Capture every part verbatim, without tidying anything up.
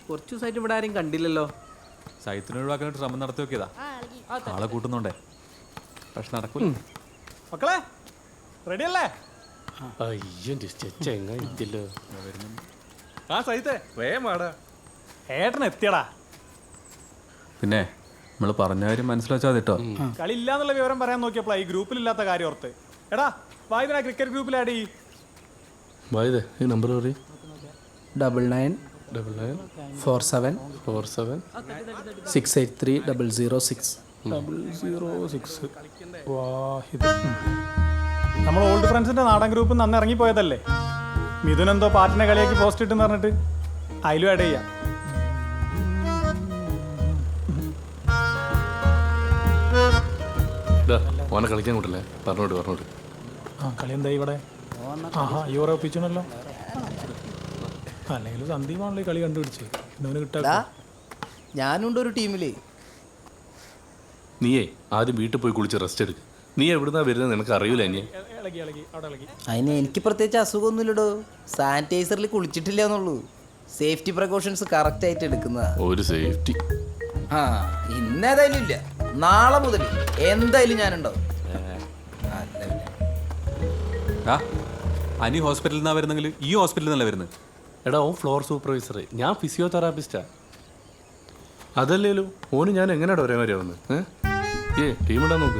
കുറച്ച് ദിവസമായിട്ട് ഇവിടെ ആരും കണ്ടില്ലല്ലോ. സൈത്തിനെ ഒഴിവാക്കാനായിട്ട് ശ്രമം നടത്തി നോക്കിയതാ, ആളെ കൂട്ടുന്നുണ്ടേ. പക്ഷെ നടക്കൂല. മക്കളെ റെഡി അല്ലേ? ആ സൈത്തേ വേഗം വാടാ. ഏട്ടൻ എത്തിയടാ. പിന്നെ നമ്മൾ പറഞ്ഞ കാര്യം മനസ്സിലാച്ചാൽ കേട്ടോ. കളി ഇല്ലാന്നുള്ള വിവരം പറയാൻ നോക്കിയപ്പോഴാ ഈ ഗ്രൂപ്പിലില്ലാത്ത കാര്യം ഓർത്ത്. എടാ വായുവിനാ ക്രിക്കറ്റ് ഗ്രൂപ്പിൽ ആഡ് ചെയ്യ്. വായുതേ ഈ നമ്പർ പറയും. Double nine double nine four seven four seven six eight three double zero six double zero six. Wahid നമ്മൾ ഓൾഡ് ഫ്രണ്ട്സിന്റെ നാടൻ ഗ്രൂപ്പ് നന്ന് ഇറങ്ങിപ്പോയതല്ലേ. മിഥുൻ എന്തോ പാർട്ടിനെ കളിയാക്കി പോസ്റ്റ് ഇട്ടെന്ന് പറഞ്ഞിട്ട് അതിലും ആഡ് ചെയ്യാം. ഓനെ കളിക്കാൻ കൂട്ടല്ലേ? പറഞ്ഞോട്ട് പറഞ്ഞോട്ട്. ആ കളി എന്താ ഇവിടെ? ആഹാ യൂറോ ഒപ്പിച്ചണല്ലോ. അല്ലെങ്കിൽ സന്ദീപാണല്ലോ ഈ കളി കണ്ടുപിടിച്ച് ഇന്നവന് കിട്ടാ. ഞാനുണ്ട് ഒരു ടീമില്. നീയേ ആദ്യം വീട്ടിൽ പോയി കുളിച്ച് റെസ്റ്റ് എടുക്ക്. നീ എവിടുന്നാ വരുന്നത് നിനക്ക് അറിയില്ല. ഇനി ഇളകി ഇളകി അവിടെ ഇളകി. അതിന് എനിക്ക് പ്രത്യേകിച്ച് അസുഖമൊന്നുമില്ലടോ. സാനിറ്റൈസറിൽ കുളിച്ചിട്ടില്ല എന്നുള്ളൂ. സേഫ്റ്റി പ്രിക്കോഷൻസ് കറക്റ്റ് ആയിട്ട് എടുക്കുന്നതാ. ഒരു സേഫ്റ്റി ആ ഇന്നേതായാലും ഇല്ല. നാളെ മുതൽ എന്തായാലും ഞാനുണ്ടാവും. ആ അനി ഹോസ്പിറ്റലിൽ നിന്നാ വരുന്നെങ്കിൽ ഈ ഹോസ്പിറ്റലിൽ നിന്നല്ല വരുന്നത്. എടാ ഓൻ ഫ്ലോർ സൂപ്പർവൈസർ, ഞാൻ ഫിസിയോതെറാപ്പിസ്റ്റാ. അതല്ലേലോ ഓന് ഞാൻ എങ്ങനെയാടാ ഒരേ മാതിരി ആവുന്നത്? ഏ ടീം ഇടാൻ നോക്ക്.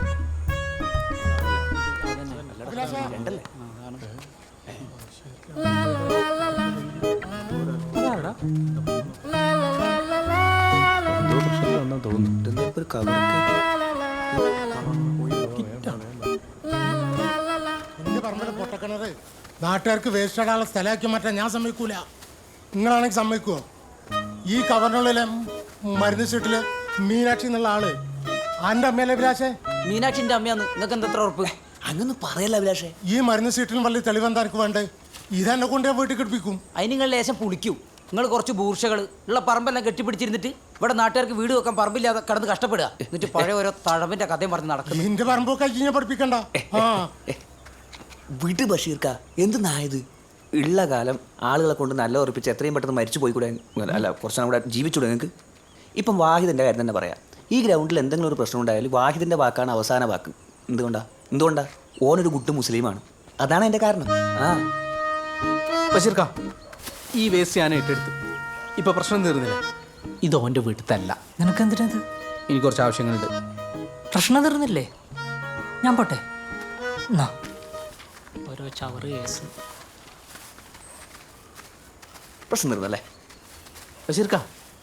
പൊട്ടക്കിണറ് നാട്ടുകാർക്ക് വേസ്റ്റ് ഇടാനുള്ള സ്ഥലമാക്കി മാറ്റാൻ ഞാൻ സമ്മതിക്കൂല. നിങ്ങളാണെങ്കിൽ സമ്മതിക്കുമോ? ഈ കവറിനുള്ളിലെ മരുന്ന് ചീട്ടില് മീനാക്ഷി എന്നുള്ള ആള് ആന്റെ അമ്മയല്ലേ അഭിലാഷേ? മീനാക്ഷിന്റെ അമ്മയാന്ന് നിങ്ങൾക്ക് എന്താ ഉറപ്പ്? അങ്ങനെ പറയല്ല അഭിലാഷേ. ഈ മരുന്ന് ചീട്ടിലും വലിയ തെളിവെന്താ എനിക്ക് വേണ്ടേ? ഇതെന്നെ കൊണ്ട് ഞാൻ വീട്ടിൽ കിടപ്പിക്കും. അതിന് നിങ്ങൾ ലേശം പുളിക്കും. നിങ്ങൾ കുറച്ച് ബൂർഷകൾ ഉള്ള പറമ്പെല്ലാം കെട്ടിപ്പിടിച്ചിരുന്നിട്ട് ഇവിടെ നാട്ടുകാർക്ക് വീട് വെക്കാൻ പറമ്പില്ലാതെ കിടന്ന് കഷ്ടപ്പെടുക. എന്നിട്ട് പഴയ ഓരോ തഴവിന്റെ കഥയും പറഞ്ഞ് നടക്കും. നിന്റെ പറമ്പൊക്കെ ഞാൻ പഠിപ്പിക്കണ്ട. ആ വിട് ബഷീർക്ക, എന്തെന്നായത്? ഉള്ള കാലം ആളുകളെ കൊണ്ട് നല്ല ഉറപ്പിച്ച് എത്രയും പെട്ടെന്ന് മരിച്ചു പോയിക്കൂടെ? അല്ല കുറച്ച് നാൾ കൂടെ ജീവിച്ചൂടെ നിങ്ങൾക്ക്? ഇപ്പം വാഹിദിൻ്റെ കാര്യം തന്നെ പറയാം. ഈ ഗ്രൗണ്ടിൽ എന്തെങ്കിലും ഒരു പ്രശ്നം ഉണ്ടായാലും വാഹിദിൻ്റെ വാക്കാണ് അവസാന വാക്ക്. എന്തുകൊണ്ടാ എന്തുകൊണ്ടാ ഓനൊരു ഗുഡ് മുസ്ലിമാണ്. അതാണ് എൻ്റെ കാരണം. ആ ബഷീർക്ക, ഈ വേസ്റ്റ് ഞാൻ ഏറ്റെടുത്ത്. ഇപ്പൊ പ്രശ്നം തീർന്നില്ല. ഇത് ഓൻ്റെ വീട്ടിലല്ല. നിനക്ക് എന്തിനത്? എനിക്ക് കുറച്ച് ആവശ്യങ്ങളുണ്ട്. പ്രശ്നം തീർന്നില്ലേ? ഞാൻ പോട്ടെ. ഓരോ ചവറ് കേസ്. പ്രശ്നം തീർന്നല്ലേ ബഷീർക്ക?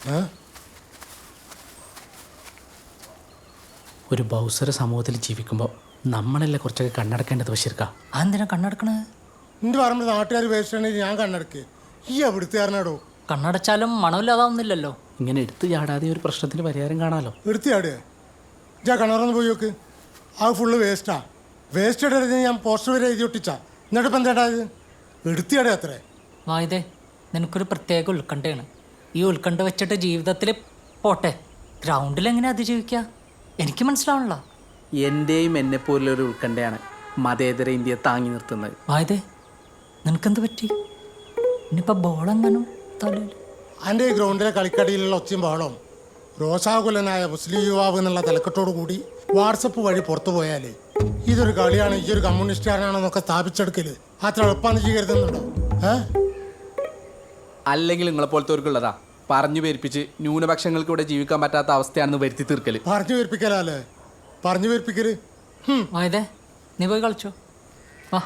ഒരു ബൗസര സമൂഹത്തിൽ ജീവിക്കുമ്പോൾ നമ്മളല്ലേ കുറച്ചൊക്കെ കണ്ണടക്കേണ്ടത് ബഷീർക്ക? അതെന്തിനാ കണ്ണടക്കണത്? നിന്റെ പറമ്പിൽ നാട്ടുകാർ വേസ്റ്റ് ആണെങ്കിൽ ഞാൻ കണ്ണടക്ക്. ഈ എവിടുത്തെ കാരണാടോ? കണ്ണടച്ചാലും മണമില്ലാതാവുന്നില്ലല്ലോ. ഇങ്ങനെ എടുത്തു ചാടാതെ ഒരു പ്രശ്നത്തിന് പരിഹാരം കാണാമല്ലോ. എടുത്തിയാടുക ഞാൻ കിണറൊന്ന് പോയി നോക്ക്. ആ ഫുള്ള് വേസ്റ്റാ. വേസ്റ്റ് ഇടരുത് ഞാൻ പോസ്റ്റർ വരെ എഴുതി ഒട്ടിച്ചാ. എന്നിട്ട് ഇപ്പം എന്താ ഇത്? എടുത്തിയാടെ അത്രേ. വായുതേ, നിനക്കൊരു പ്രത്യേക ഉത്കണ്ഠയാണ്. ഈ ഉത്കണ്ഠ വെച്ചിട്ട് ജീവിതത്തിൽ പോട്ടെ. ഗ്രൗണ്ടിൽ എങ്ങനെ അതിജീവിക്കുക എനിക്ക് മനസ്സിലാവണല്ലോ. എൻ്റെയും എന്നെപ്പോലുള്ളൊരു ഉത്കണ്ഠയാണ് മതേതര ഇന്ത്യയെ താങ്ങി നിർത്തുന്നത്. വായുതേ, നിനക്കെന്ത് പറ്റി? ഇനിയിപ്പോൾ ബോളെങ്ങാനും തലയിൽ. എൻ്റെ ഈ ഗ്രൗണ്ടിലെ കളിക്കടിയിലുള്ള ഒച്ചയും ബഹളവും രോഷാകുലനായ മുസ്ലിം യുവാവ് എന്നുള്ള തലക്കെട്ടോടു കൂടി വാട്സപ്പ് വഴി പുറത്തു പോയാൽ ഇതൊരു കളിയാണ്, ഈ ഒരു കമ്മ്യൂണിസ്റ്റുകാരനാണെന്നൊക്കെ സ്ഥാപിച്ചെടുക്കല് അത്ര എളുപ്പമെന്ന് ചെയ്യരുതെന്നുണ്ടോ? ഏഹ് അല്ലെങ്കിൽ നിങ്ങളെപ്പോലത്തവർക്കുള്ളതാ പറഞ്ഞു പേരിപ്പിച്ച് ന്യൂനപക്ഷങ്ങൾക്ക് ഇവിടെ ജീവിക്കാൻ പറ്റാത്ത അവസ്ഥയാണെന്ന് വരുത്തി തീർക്കല്. പറഞ്ഞു പേരിപ്പിക്കലല്ലേ? പറഞ്ഞു പേരിപ്പിക്കല്. വായുതേ, നീ പോയി കളിച്ചോ. വാ.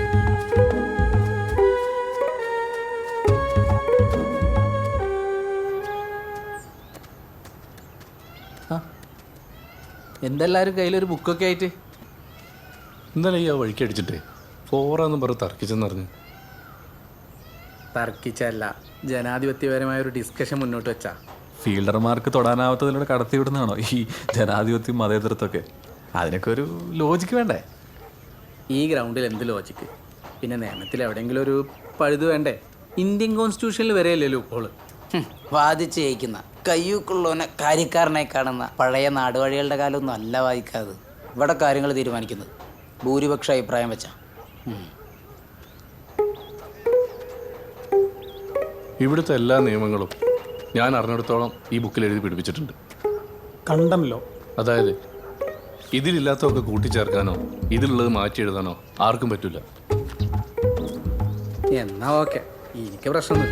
എന്തെല്ലാവരും കയ്യിലൊരു ബുക്കൊക്കെ ആയിട്ട്? എന്തായാലും ഈ ആ വഴിക്ക് അടിച്ചിട്ടേ ഫോറാന്ന് പറഞ്ഞ് തർക്കിച്ചെന്നറിഞ്ഞു. തർക്കിച്ചല്ല, ജനാധിപത്യപരമായ ഒരു ഡിസ്കഷൻ മുന്നോട്ട് വെച്ചാ. ഫീൽഡർമാർക്ക് തൊടാനാവാത്തതിലൂടെ കടത്തിവിടുന്നതാണോ ഈ ജനാധിപത്യം മതേതരത്വമൊക്കെ? അതിനൊക്കെ ഒരു ലോജിക്ക് വേണ്ടേ? ഈ ഗ്രൗണ്ടിൽ എന്ത് ലോജിക്ക്? പിന്നെ നിയമത്തിൽ എവിടെയെങ്കിലും ഒരു പഴുത് വേണ്ടേ? ഇന്ത്യൻ കോൺസ്റ്റിറ്റ്യൂഷനിൽ വരെയല്ലല്ലോ ഇപ്പോൾ. വാദിച്ച് ജയിക്കുന്ന കയ്യൂക്കുള്ളവനെ കാര്യക്കാരനായി കാണുന്ന പഴയ നാടുവഴികളുടെ കാലമൊന്നും അല്ല വായിക്കാതെ. ഇവിടെ കാര്യങ്ങൾ തീരുമാനിക്കുന്നത് ഭൂരിപക്ഷ അഭിപ്രായം വെച്ചാ. ഇവിടുത്തെ എല്ലാ നിയമങ്ങളും ഞാൻ അറിഞ്ഞിടത്തോളം ഈ ബുക്കിൽ എഴുതി പിടിപ്പിച്ചിട്ടുണ്ട്. കണ്ടം ലോ. അതായത് ഇതിലില്ലാത്തതൊക്കെ കൂട്ടിച്ചേർക്കാനോ ഇതിലുള്ളത് മാറ്റി എഴുതാനോ ആർക്കും പറ്റില്ല. എന്നാ ഓക്കെ, എനിക്ക് പ്രശ്നമൊന്നുമില്ല.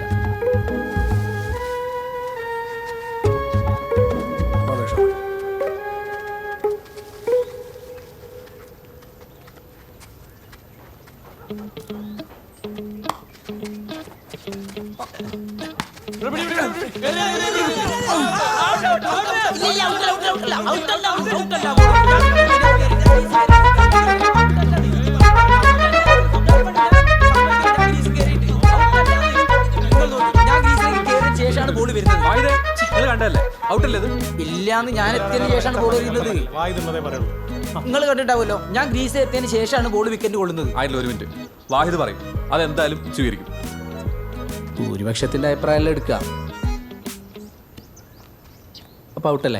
കണ്ടല്ലേ ഔട്ടല്ലേ ഇത്? ഇല്ലാന്ന് ഞാൻ എത്തിയതിന് ശേഷമാണ് ബോൾ എറിയുന്നത്. വായുന്നതേ പറയുള്ളൂ. നിങ്ങൾ കണ്ടിട്ടാവുമല്ലോ, ഞാൻ ഗ്രീസ് എത്തിയതിന് ശേഷമാണ് ബോൾ വിക്കറ്റ് കൊള്ളുന്നത്. ആയിട്ടില്ല, ഒരു മിനിറ്റ്. വാഹിദ് പറയും, അതെന്തായാലും സ്വീകരിക്കും. ഭൂരിപക്ഷത്തിന്റെ അഭിപ്രായം എടുക്കുക. അപ്പൊ ഔട്ടല്ലേ?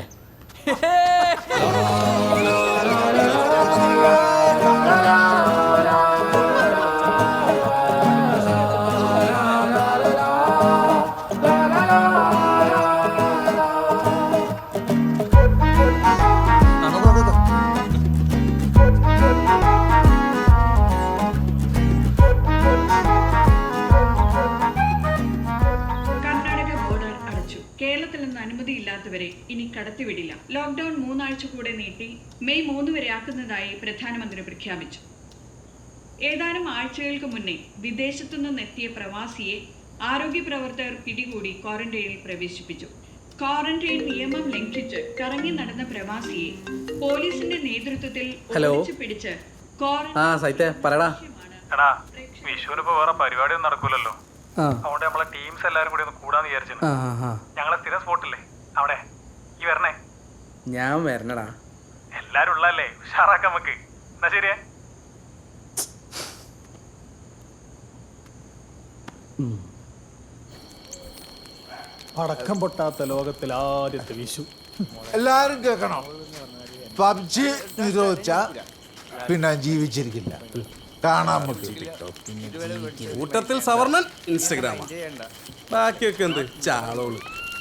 കേരളത്തിൽ നിന്ന് അനുമതിയില്ലാത്തവരെ ഇനി കടത്തിവിടില്ല. ലോക്ക്ഡൌൺ മൂന്നാഴ്ച കൂടെ നീട്ടി മെയ് മൂന്ന് വരെ ആക്കുന്നതായി പ്രധാനമന്ത്രി പ്രഖ്യാപിച്ചു. ഏതാനും ആഴ്ചകൾക്ക് മുന്നേ വിദേശത്തു നിന്നെത്തിയ പ്രവാസിയെ ആരോഗ്യ പ്രവർത്തകർ പിടികൂടി ക്വാറന്റൈനിൽ പ്രവേശിപ്പിച്ചു. ക്വാറന്റൈൻ നിയമം ലംഘിച്ച് കറങ്ങി നടന്ന പ്രവാസിയെ പോലീസിന്റെ നേതൃത്വത്തിൽ ഒളിച്ചു പിടിച്ച് ആ സൈറ്റേ പറടാ. എടാ, വിഷുവിനിപ്പോ വേറെ പരിപാടിയൊന്നും നടക്കൂലല്ലോ. അതുകൊണ്ട് നമ്മളെ ടീംസ് എല്ലാരും കൂടി ഒന്ന് കൂടാന്ന് വിചാരിച്ചു. ഞങ്ങളെ സ്ഥിരം സ്പോട്ടില്ലേ അവിടെ, ഈ വരണേ? ഞാൻ വരണടാ. എല്ലാരും ഉള്ളല്ലേ, ഉഷാറാക്കാം നമുക്ക്. എന്നാ ശരിയേ. പടക്കം പൊട്ടാത്ത ലോകത്തിൽ ആദ്യത്തെ വിഷു. എല്ലാരും കേൾക്കണം, പബ്ജി നിരോധിച്ച പിന്നെ ജീവിച്ചിരിക്കില്ല. കാണാൻ കൂട്ടത്തിൽ സവർണൻ ഇൻസ്റ്റഗ്രാം, ബാക്കിയൊക്കെ എന്ത് ചാളോള്.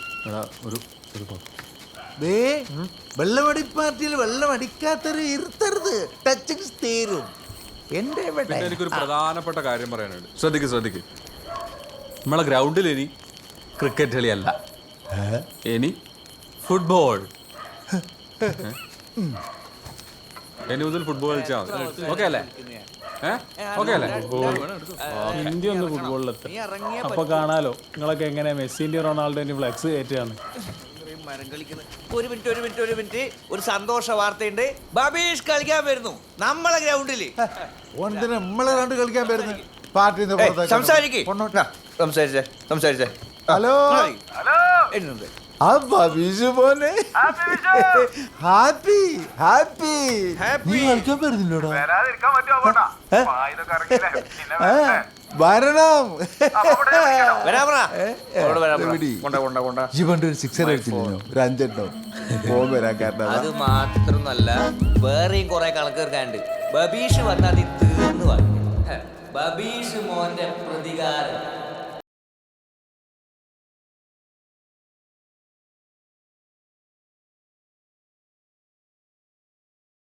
വെള്ളമടി പാർട്ടിയിൽ വെള്ളം അടിക്കാത്തൊരു ഇരുത്തരുത്, ടച്ചിങ് തീരും. എന്റെ എനിക്കൊരു പ്രധാനപ്പെട്ട കാര്യം പറയാനുണ്ട്. ശ്രദ്ധിക്ക് ശ്രദ്ധിക്ക് നമ്മളെ ഗ്രൗണ്ടിൽ ഇനി ക്രിക്കറ്റ് കളിയല്ല, ഇനി ഫുട്ബോൾ. ഇനി മുതൽ ഫുട്ബോൾ കളിച്ചാൽ മതി. ഓക്കെ അല്ലേ? ഇന്ത്യ ഒന്ന് ഫുട്ബോളിലെത്തും. അപ്പൊ കാണാലോ നിങ്ങളൊക്കെ എങ്ങനെ മെസ്സിന്റെ റൊണാൾഡോന്റെ ഫ്ലെക്സ് കയറ്റുകയാണ്. ഒരു മിനിറ്റ് ഒരു മിനിറ്റ് ഒരു മിനിറ്റ് ഒരു സന്തോഷ വാർത്തയുണ്ട്. ബബീഷ് കളിക്കാൻ വരുന്നു നമ്മളെ ഗ്രൗണ്ടില്. നമ്മളെ ഗ്രൗണ്ട് കളിക്കാൻ വരുന്നു. പാർട്ടി സംസാരിക്കേ സംസാരിച്ചേ സംസാരിച്ചേ ഹലോ എന്നുണ്ട്. മോനെ ഹാപ്പി ഹാപ്പി നീ കളിക്കാൻ വരുന്നില്ലോടാ. വരണം. ജീവന്റെ ഒരു സിക്സർ അടിച്ചില്ലോ, ഒരു അഞ്ചെണ്ണോ പോകാൻ വരാൻ കാരണം. അത് മാത്രമല്ല വേറെയും കുറെ കണക്ക് തീർക്കാനുണ്ട്. ബബീഷ് വന്നാൽ തീർന്നു. ബബീഷ് മോന്റെ പ്രതികാരം